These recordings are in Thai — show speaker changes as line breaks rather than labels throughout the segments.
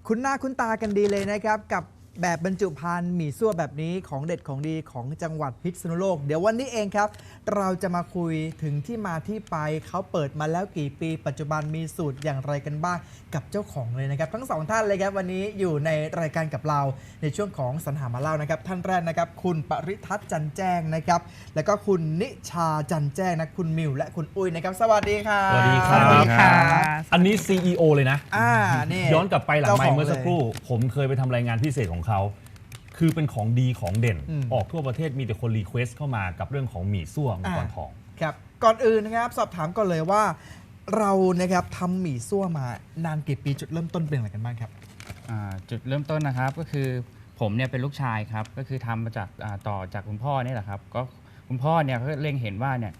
คุ้นหน้าคุ้นตากันดีเลยนะครับกับแบบบรรจุภัณฑ์หมี่ซั่วแบบนี้ของเด็ดของดีของจังหวัดพิษณุโลกเดี๋ยววันนี้เองครับเราจะมาคุยถึงที่มาที่ไปเขาเปิดมาแล้วกี่ปีปัจจุบันมีสูตรอย่างไรกันบ้างกับเจ้าของเลยนะครับทั้งสองท่านเลยครับวันนี้อยู่ในรายการกับเราในช่วงของสรรหามาเล่านะครับท่านแรกนะครับคุณปริทัศน์จันแจ้งนะครับแล้วก็คุณนิชาจันแจ้งนะคุณมิวและคุณอุ้ยนะครับสวัสดีครับ
สวัสดีครับ
สวัสดีค่ะ
อันนี้ CEO เลยนะ
นี่
ย้อนกลับไปหลังไมค์เมื่อสักครู่
ลย
ผมเคยไปทำรายงานพิเศษของเขา คือเป็นของดีของเด่น ออกทั่วประเทศมีแต่คนรีเควสต์เข้ามากับเรื่องของหมี่ซั่วมังกรทอง
ครับก่อนอื่นนะครับสอบถามก่อนเลยว่าเรานะครับทำหมี่ซั่วมานานกี่ปีจุดเริ่มต้นเป็นอะไรกันบ้างครับ
จุดเริ่มต้นนะครับก็คือผมเนี่ยเป็นลูกชายครับก็คือทำมาจากต่อจากคุณพ่อเนี่ยแหละครับก็คุณพ่อเนี่ยเขาเล็งเห็นว่าเนี่ย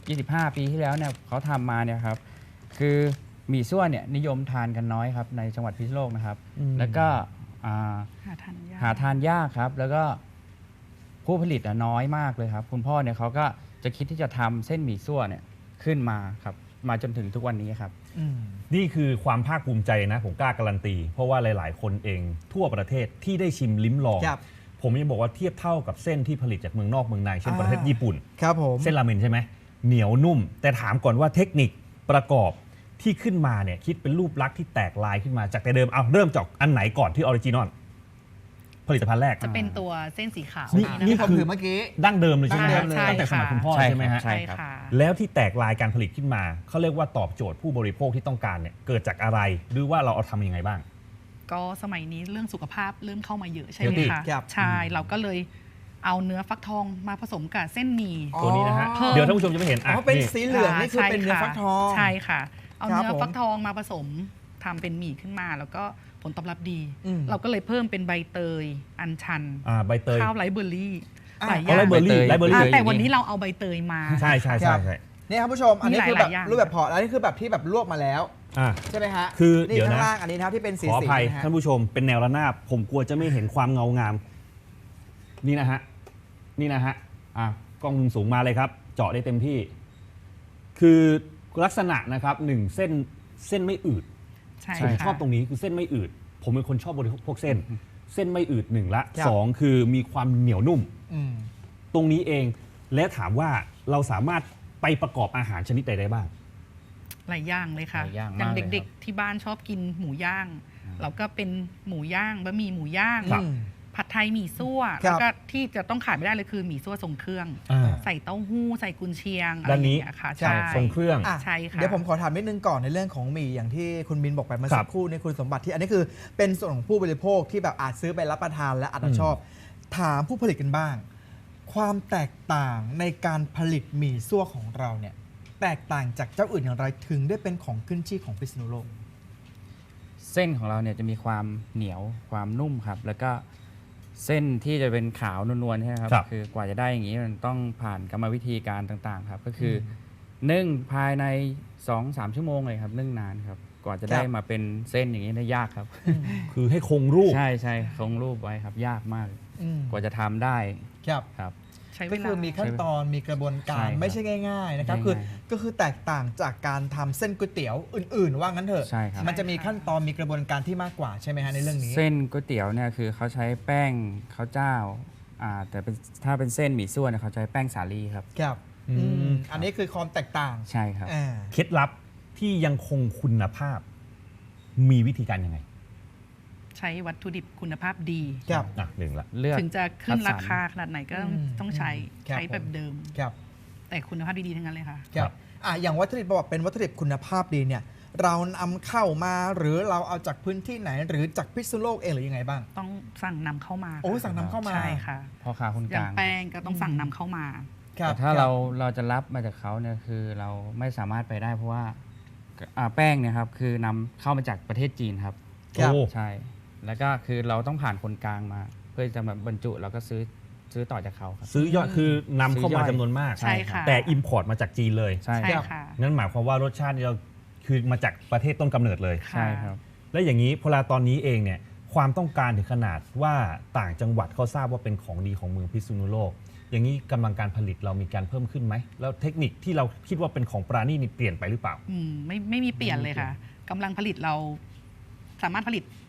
25 ปีที่แล้วเนี่ยเขาทำมาเนี่ยครับคือหมี่ซั่วเนี่ยนิยมทานกันน้อยครับในจังหวัดพิษณุโลกนะครับแล้วก็
หาทานยาก
หาทานยากครับแล้วก็ผู้ผลิตน้อยมากเลยครับคุณพ่อเนี่ยเขาก็จะคิดที่จะทำเส้นหมี่ซั่วเนี่ยขึ้นมาครับมาจนถึงทุกวันนี้ครับ
นี่คือความภาคภูมิใจนะ ผมกล้าการันตี เพราะว่าหลาย ๆ คนเองทั่วประเทศที่ได้ชิมลิ้มลอง
ครับ
ผมยังบอกว่าเทียบเท่ากับเส้นที่ผลิตจากเมืองนอกเมืองในเช่นประเทศญี่ปุ่น
ครับผม
เส้นราเมนใช่ไหมเหนียวนุ่ม แต่ถามก่อนว่าเทคนิคประกอบที่ขึ้นมาเนี่ยคิดเป็นรูปลักษณ์ที่แตกลายขึ้นมาจากแต่เดิมเอาเริ่มจากอันไหนก่อนที่ออริจินอลผลิตภัณฑ์แรก
จะเป็นตัวเส้นสีขาว
นี่
นะ
ที่
คะ
ผมถือเมื่อกี้
ดั้งเดิมเลยใช่ไหมฮะ
ดั้งเดิมเลย
ตั้งแต่สมัยคุณพ่อ
ใช่
ใช่ไหมฮะ
ใช่
ใช่
ครับ
ค่ะ
แล้วที่แตกลายการผลิตขึ้นมาเขาเรียกว่าตอบโจทย์ผู้บริโภคที่ต้องการเนี่ยเกิดจากอะไรหรือว่าเราเอาทำยังไงบ้าง
ก็สมัยนี้เรื่องสุขภาพเริ่มเข้ามาเยอะใช่ไหม
Healthy
คะ
ครับ
ใช่เราก็เลยเอาเนื้อฟักทองมาผสมกับเส้นหมี่
ตัวนี้นะฮะ
อ๋อ
เดี๋ยวท่านผู้ชมจะไม่เห็น
อ๋อเป็น
นี่
สีเหลืองนี่คือเป็นเนื้อฟักทอง
ใช่ค่ะ เอา
ครับ
เนื้อ
ผม
ฟักทองมาผสมทำเป็นหมี่ขึ้นมา แล้วก็ผลตอบรับดี
อืม
เราก็เลยเพิ่มเป็นใบเตยอัญชัน
ใบเตย
ข้าวไรซ์เบอร์รี่
อ่า
หลายอ
เอา
ย่าง
ไรเบอร์รี่
ใบเตย
ไรเบอร์
อ่า
รี่
แต่วันนี้เราเอาใบเตยมา
ใช่ใช่
ครั
ใช่
บ
ใช่
นี่ครับผู้ชมอันนี้
มี
คือ
ห
แบ
ลา
บ
ยๆอย่าง
รูปแบบพอร์ตอันนี้คือแบบที่แบบลวกมาแล้ว
อ่ะ
ใช่ไหมฮะ
คือ
นี่
เดี๋ยวนะ
ข้างล่างอันนี้นะครับที่เป็นสี
ขออภัย
นะฮะ
ท่านผู้ชมเป็นแนวระนาบผมกลัวจะไม่เห็นความเงางาม นี่นะฮะนี่นะฮะกล้องมุมสูงมาเลยครับ เจาะได้เต็มที่ คือลักษณะนะครับหนึ่งเส้นไม่อืด
ใช่
ผม
ค่ะ
ชอบตรงนี้คือเส้นไม่อืด ผมเป็นคนชอบบริโภคเส้น เส้นไม่อืดหนึ่งละ
ครับ
สองคือมีความเหนียวนุ่ม
อืม
ตรงนี้เองและถามว่าเราสามารถไปประกอบอาหารชนิดใดได้บ้าง
หลายอย่างเลยค่ะ
หลายอย่าง
อย่าง
มากเลย
เด็ก
ครับ
ๆที่บ้านชอบกินหมูย่าง เราก็เป็นหมูย่างบะหมี่หมูย่าง
ครับ
ผัดไทยหมี่ซั่ว
ครับ
แล้วก็ที่จะต้องขาดไม่ได้เลยคือหมี่ซั่วทรงเครื่อง ใส่เต้าหู้ใส่กุนเชียงอะไร
ด้าน
อย่า
นี้
งเงี้ยค่ะ
ใช่
ใช่
ทรงเครื่อง
อ่ะ
ใช่ค่ะ
เดี๋ยวผมขอถามนิดนึงก่อนในเรื่องของหมี่อย่างที่คุณมินบอกไปเมื่อ
ครั
สั
บ
กครู่ในคุณสมบัติที่อันนี้คือเป็นส่วนของผู้บริโภคที่แบบอาจซื้อไปรับประทานและอาจจะชอบ ถามผู้ผลิตกันบ้าง ความแตกต่างในการผลิตหมี่ซั่วของเราเนี่ยแตกต่างจากเจ้าอื่นอย่างไรถึงได้เป็นของขึ้นชื่อของพิษณุโลก
เส้นของเราเนี่ยจะมีความเหนียวความนุ่มครับ แล้วก็เส้นที่จะเป็นขาวนวลๆใช่ไหมครับ
ครับ
คือกว่าจะได้อย่างนี้มันต้องผ่านกรรมวิธีการต่างๆครับ ก็คือนึ่งภายใน 2-3 ชั่วโมงเลยครับนึ่งนานครับกว่าจะได้
ครับ
มาเป็นเส้นอย่างนี้ได้ยากครับ
คือให้คงรูป
ใช่ใช่คงรูปไว้ครับยากมาก
อืม
กว่าจะทำได้
ครับ
ครับ
ใช้เว
ก็
ลา
คือมีขั้นตอนมีกระบวนกา
ใช่
ร
ครับ
ไม่ใช่ง่าย ๆ นะครับ
ไม่
คือ
ง่ายครับ
ก็คือแตกต่างจากการทำเส้นก๋วยเตี๋ยวอื่น ๆ ว่างั้นเถอะ
ใช่ครับ
มันจะมีขั้นตอนมีกระบวนการที่มากกว่าใช่ไหมฮะในเรื่องนี้
เส้นก๋วยเตี๋ยวเนี่ยคือเขาใช้แป้งข้าวเจ้าแต่เป็นถ้าเป็นเส้นหมี่ซั่วเนี่ยเขาใช้แป้งสาลีครับ
ครับ
อืม
อืมอันนี้คือความแตกต่าง
ใช่ครับ
อ่า
เคล็ดลับที่ยังคงคุณภาพ มีวิธีการยังไง
ใช้วัตถุดิบคุณภาพดี
ครับ
หนึ่งละ
เลือก
ถึงจะขึ้น
คัดสรร
ราคาขนาดไหนก็ต้องใช้
ครับ
ใช้แบบเดิม
ครับ
แต่คุณภาพดีๆทั้งนั้นเลยค่ะ
ครับอย่างวัตถุดิบบอกเป็นวัตถุดิบคุณภาพดีเนี่ยเรานำเข้ามาหรือเราเอาจากพื้นที่ไหน หรือจากพิษณุโลกเองหรือยังไงบ้าง
ต้องสั่งนำเข้ามา
โอ้สั่งนำเข้ามา
ใช่ค่ะ
พ่อค้าคน
อก ย่า
ลาง ง
แป้งก็ต้องสั่งนำเข้ามา
ครับ
แต่ถ้าเราจะรับมาจากเขาเนี่ยคือเราไม่สามารถไปได้เพราะว่าแป้งเนี่ยครับคือนำเข้ามาจากประเทศจีนครับ
ครับ
โอ้
ใช่ แล้วก็คือเราต้องผ่านคนกลางมา เพื่อจะมาบรรจุแล้วก็ซื้อต่อจากเขาครับ
ซื้อยอดคือนำเข้ามาจำนวนมาก
ใช่ค่ะ
แต่อิมพอร์ตมาจากจีนเลย
ใช่
ใช่
ครับ
ค่ะ
นั่นหมายความว่ารสชาติเราคือมาจากประเทศต้นกำเนิดเลย
ใช่ครับ
และอย่างนี้พอตอนนี้เองเนี่ยความต้องการถึงขนาดว่าต่างจังหวัดเขาทราบว่าเป็นของดีของเมืองพิษณุโลก อย่างนี้กำลังการผลิตเรามีการเพิ่มขึ้นไหมแล้วเทคนิคที่เราคิดว่าเป็นของปราณีนี่เปลี่ยนไปหรือเปล่า
ไม่มีเปลี่ยนเลยค่ะกำลังผลิตเราสามารถผลิต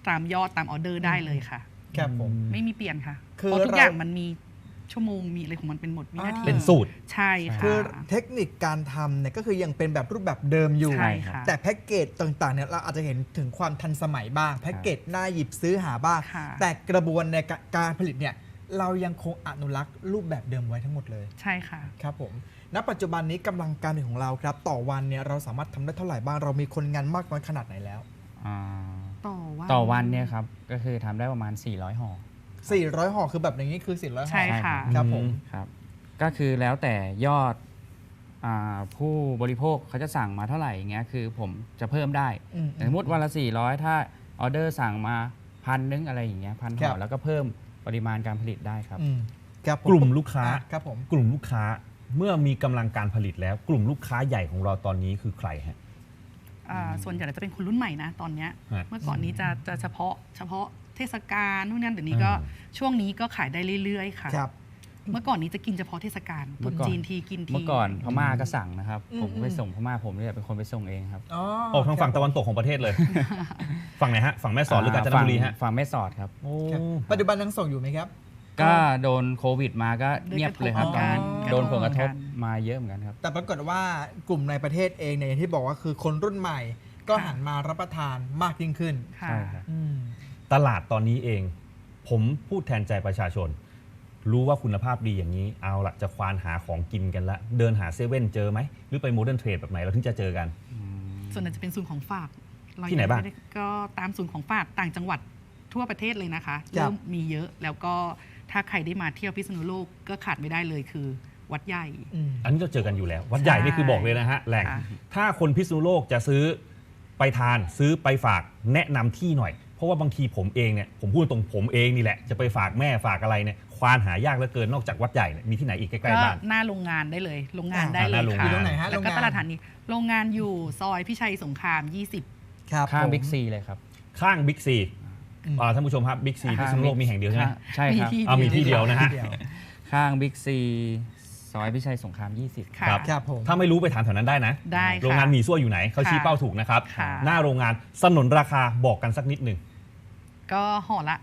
ตามยอดตามออเดอร์ได้เลยค่ะ
ครับผม
ไม่มีเปลี่ยนค่ะ
คือ
เพราะทุก
เรา
อย่างมันมีชั่วโมงมีอะไรของมันเป็นหมดวินาที
เป็นสูตร
ใช่ค่ะ
คือเทคนิคการทำเนี่ยก็คือยังเป็นแบบรูปแบบเดิมอยู่
ใช่ค่ะ
แต่แพ็กเกจต่างๆเนี่ยเราอาจจะเห็นถึงความทันสมัยบ้างแพ็กเกจน่าหยิบซื้อหาบ้าง
ค่ะ
แต่กระบวนในการผลิตเนี่ยเรายังคงอนุรักษ์รูปแบบเดิมไว้ทั้งหมดเลย
ใช่ค่ะ
ครับผมณปัจจุบันนี้กำลังการผลิตของเราครับ ต่อวันเนี่ยเราสามารถทำได้เท่าไหร่บ้างเรามีคนงานมากน้อยขนาดไหนแล้ว
อ่า
ต่อวัน
ต่อวันเนี่ยครับก็คือทำได้ประมาณ 400 ห่อ
400 ห่อคือแบบอย่างนี้คือ400 ห่อ
ใช่ค่ะ
ครับผม
ครับก็คือแล้วแต่ยอดผู้บริโภคเขาจะสั่งมาเท่าไหร่อย่างเงี้ยคือผมจะเพิ่มได้
อืม
สมมติวันละ 400 ถ้าออเดอร์สั่งมา1,000อะไรอย่างเงี้ย1,000
ครั
ห่อบ แล้วก็เพิ่มปริมาณการผลิตได้ครับ
อืมครับผ
กลุ่มลูกค้า
ครับผม
กลุ่มลูกค้าเมื่อมีกำลังการผลิตแล้ว กลุ่มลูกค้าใหญ่ของเราตอนนี้คือใครฮะ
ส่วนใหญ่จะเป็นคนรุ่นใหม่นะตอนเนี้ย
ฮะ
เมื่อก่อนนี้จะเฉพาะเทศกาลนู่นนั่นเดี๋ยวนี้ก็
อืม
ช่วงนี้ก็ขายได้เรื่อยๆค่ะ
ครับ
เมื่อก่อนนี้จะกินเฉพาะเทศกาลตรุษจีนทีกินที
เมื่อก่อนพม่าก็สั่งนะครับ
อืม
ผมไปส่งพม่าผมเนี่ยเป็นคนไปส่งเองครับ
อ๋อ
ออกทางฝั่งตะวันตกของประเทศเลย ฝั่งไหนฮะ ฝั่งแม่สอดหรือกาญจนบุรีฮะ
ฝั่งแม่สอดครับ
โอ้
ครับปัจจุบันยังส่งอยู่ไหมครับ
ก็โดนโควิดมาก็เงียบเลยครับ
ก
ต
ระ
อน
ทบ
นั้น
กัน
โดนผลกระทบ
กัน
มาเยอะเหมือนกันครับ
แต่ปรากฏว่ากลุ่มในประเทศเองเนี่ยอย่างที่บอกว่าคือคนรุ่นใหม่ ก็
ค่ะ
หันมารับประทานมากยิ่งขึ้น
ค่ะ
ใช่ครับ
อืม
ตลาดตอนนี้เอง ผมพูดแทนใจประชาชน รู้ว่าคุณภาพดีอย่างนี้ เอาละจะควานหาของกินกันละ เดินหาเซเว่นเจอไหม หรือไปโมเดิร์นเทรดแบบไหนเราถึงจะเจอกัน
ส่วนใหญ่จะเป็นศูนย์ของฝากเร
ที่ไหนบ้าง
ม่ด้ก็ตามศูนย์ของฝากต่างจังหวัดทั่วประเทศเลยนะคะ
ครับ
เริ่มมีเยอะแล้วก็ถ้าใครได้มาเที่ยวพิษณุโลกก็ขาดไม่ได้เลยคือวัดใหญ่
อืม
อันนี้เราเจอกันอยู่แล้ว วัดใหญ่นี่คือบอกเลยนะฮะแหล่ง
ค่ะ
ถ้าคนพิษณุโลกจะซื้อไปทานซื้อไปฝากแนะนำที่หน่อย เพราะว่าบางทีผมเองเนี่ยผมพูดตรงผมเองนี่แหละจะไปฝากแม่ฝากอะไรเนี่ยควานหายากเหลือเกินนอกจากวัดใหญ่เนี่ยมีที่ไหนอีกใกล้
ก็
ๆบ้าน
หน้าโรงงานได้เลยโรงงานได้
ห
เล
น้าย โรง
ค่ะ
งาน
อยู่ตรงไหนฮะ
แล้วก็
โรงงาน
ตลาดฐานนี้โรงงานอยู่ซอยพิชัยสงคราม 20
ครับ
ข้าง
ผม
บิ๊กซีเลยครับ
ข้างบิ๊กซี
อืม
ท่านผู้ชมครับบิ๊กซีพิษณุโลกมีแห่งเดียวใช่ไหม
ใช่ครับ
มีที่
มีที่เดียวนะฮะ
ที่เดียว
ข้างบิ๊กซีซอยพิชัยสงคราม 20
ค่ะ
ครับ
ครับผม
ถ้าไม่รู้ไปถามแถวนั้นได้นะ
ได้ค่ะ
โรงงานหมี่ซั่วอยู่ไหนเขาชี้
ค่ะ
เป้าถูกนะครับ
ค่ะ
หน้าโรงงานสนนราคาบอกกันสักนิดหนึ่ง
ก็ห่อละ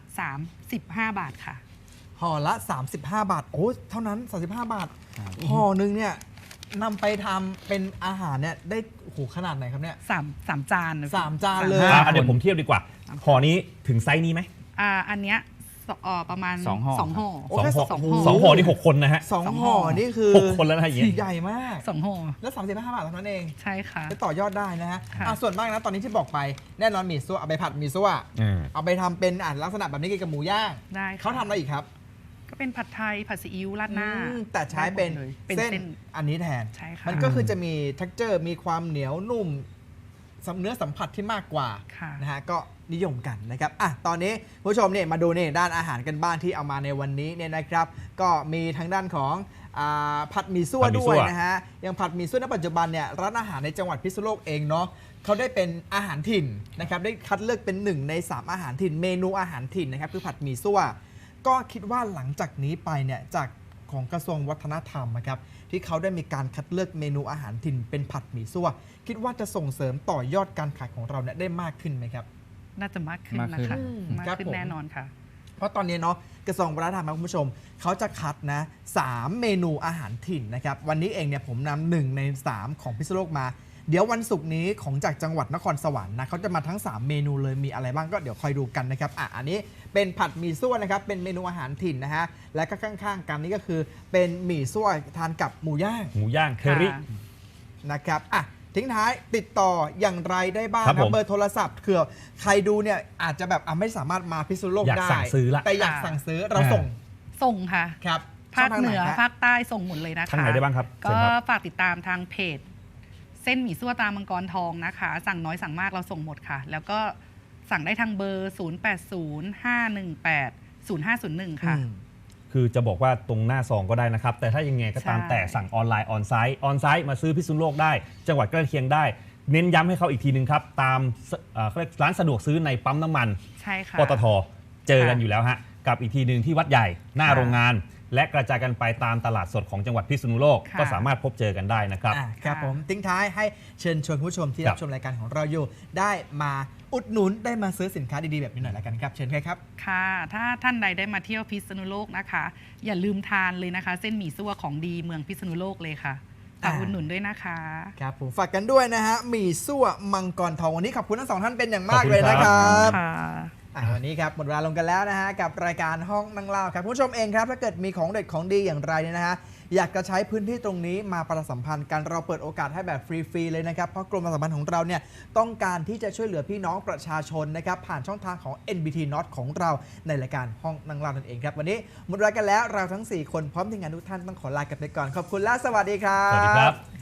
35 บาทค่ะ
ห่อละ 35 บาท โอ้เท่านั้น 35 บาท
ครับ
ห่อหนึงเนี่ยนำไปทำเป็นอาหารเนี่ยได้โอ้โหขนาดไหนครับเนี่ย
3 จาน
3 จานเลย
เดี๋ยวผมเทียบดีกว่าห่อนี้ถึงไซส์นี้ไหม
อันเนี้ยประมาณ
2 ห่อ
2 ห่อ
โอ้แค่
สอง
สอง
ห่อ
ห่อ
สองห่อนี่6 คนนะฮะ
สอง
สองห่
ห่อ
อ
นี่คือ
6 คนแล้วนะอย่างงี้
ใหญ่มาก
2 ห่อ
แล้ว35 บาทเท่านั้นเอง
ใช่ค่ะ
ไปต่อยอดได้นะฮะ
ค่ะ
ส่วนมากนะตอนนี้ที่บอกไปแน่นอนหมี่ซั่วเอาไปผัดหมี่ซั่วเอาไปทำเป็นลักษณะแบบนี้กินกับหมูย่าง
ได้ค่ะ
เขาทำอะไรอีกครับ
ก็เป็นผัดไทยผัดซีอิ๊วราดหน้า
แต่ใช้เป็น
ได้หมดเลยเป็น
เส้น
เส้น
อันนี้แทน
ใช่ค่ะ
มันก็คือจะมี texture มีความเหนียวนุ่มเนื้อสัมผัสที่มากกว่า
ค่ะ
นะฮะก็นิยมกันนะครับตอนนี้ผู้ชมเนี่ยมาดูนี่ด้านอาหารกันบ้างที่เอามาในวันนี้เนี่ยนะครับ ก็มีทางด้านของผัดหมี่ซั่ว
ผัดหมี่
ด้
ซั่
ว
วย
นะฮะอย่างผัดหมี่ซั่วในปัจจุบันเนี่ยร้านอาหารในจังหวัดพิษณุโลกเองเนาะเขาได้เป็นอาหารถิ่นนะครับได้คัดเลือกเป็น1 ใน 3 อาหารถิ่นเมนูอาหารถิ่นนะครับคือผัดหมี่ซั่วก็คิดว่าหลังจากนี้ไปเนี่ยจากของกระทรวงวัฒนธรรมนะครับที่เขาได้มีการคัดเลือกเมนูอาหารถิ่นเป็นผัดหมี่ซั่วคิดว่าจะส่งเสริมต่อยอดการขายของเราเนี่ยได้มากขึ้นไหมครับ
น่าจะมากขึ้น
มาก
นะ
ขึ้น
คะ
ค
มา
รั
ก
บ
ขึ้น
ผม
แน่นอนค่ะ
เพราะตอนนี้เนาะกระทรวงวัฒนธรรมครับคุณผู้ชมเขาจะคัดนะ3 เมนูอาหารถิ่นนะครับวันนี้เองเนี่ยผมนำ1 ใน 3 ของพิษณุโลกมา เดี๋ยววันศุกร์นี้ของจากจังหวัดนครสวรรค์นะเขาจะมาทั้ง 3 เมนูเลยมีอะไรบ้างก็เดี๋ยวคอยดูกันนะครับอันนี้เป็นผัดหมี่ซั่วนะครับเป็นเมนูอาหารถิ่นนะฮะและก็ข้างๆกันนี่ก็คือเป็นหมี่ซั่วทานกับหมูย่าง
หมูย่างเทอริ
ค่ะ
นะครับทิ้งท้ายติดต่ออย่างไรได้บ้าง
ครับ
นะ
ผม
เบอร์โทรศัพท์คือใครดูเนี่ยอาจจะแบบไม่สามารถมาพิษณุโลก
อยาก
ได้
สั่งซื้อละ
แต่อยากสั่งซื้อเราส่ง
ส่งค่ะ
ครับ
ภาคเหนือ
ช่งทงไฮะ
ภาคใต้ส่งหมดเลยนะคะ
ทางไหนได้บ้างครับ
ก็
เชิญครับ
ฝากติดตามทางเพจ เส้นหมี่ซั่วตามังกรทองนะคะ สั่งน้อยสั่งมากเราส่งหมดค่ะ แล้วก็สั่งได้ทางเบอร์ 0805180501 ค่ะ
คือจะบอกว่าตรงหน้าซองก็ได้นะครับ แต่ถ้ายังไงก็ตาม
ใช่
แต่สั่งออนไลน์ออนไซต์มาซื้อพิษณุโลกได้ จังหวัดใกล้เคียงได้ เน้นย้ำให้เขาอีกทีนึงครับ ตามเขาเรียกร้านสะดวกซื้อในปั๊มน้ำมัน
ใช่ค่ะ
ปตทเจอกันอยู่แล้วฮะกับอีกทีหนึ่งที่วัดใหญ่หน้า
ค่ะ
โรงงานและกระจายกันไปตามตลาดสดของจังหวัดพิษณุโลก
ค่ะ
ก็สามารถพบเจอกันได้นะครับ
ครับผมทิ้งท้ายให้เชิญชวนผู้ชมที่
ครั
รับบ ชมรายการของเราอยู่ ได้มาอุดหนุนได้มาซื้อสินค้าดีๆแบบนี้หน่อยละกันครับเชิญครับ
ค่ะถ้าท่านใดได้มาเที่ยวพิษณุโลกนะคะ อย่าลืมทานเลยนะคะ เส้นหมี่ซั่วของดีเมืองพิษณุโลกเลยค่ะฝากอุดหนุนด้วยนะคะ
ครับผมฝากกันด้วยนะฮะหมี่ซั่วมังกรทองวันนี้ขอบคุณทั้งสองท่านเป็นอย่างมาก
ขอบคุณ
เลยนะค
ครั
รับ
บ
ค่ะ
วันนี้ครับหมดเวลาลงกันแล้วนะฮะกับรายการห้องนั่งเล่าครับคุณผู้ชมเองครับถ้าเกิดมีของเด็ดของดีอย่างไรเนี่ยนะฮะอยากจะใช้พื้นที่ตรงนี้มาประชาสัมพันธ์กันเราเปิดโอกาสให้แบบฟรีๆเลยนะครับเพราะกรมประชาสัมพันธ์ของเราเนี่ยต้องการที่จะช่วยเหลือพี่น้องประชาชนนะครับผ่านช่องทางของ NBT Not ของเราในรายการห้องนั่งเล่านั่นเองครับวันนี้หมดเวลากันแล้วเราทั้ง4คนพร้อมทีมงานทุกท่านต้องขอลากันไปก่อนขอบคุณและสวัสดีครับ
สวัสดีครับ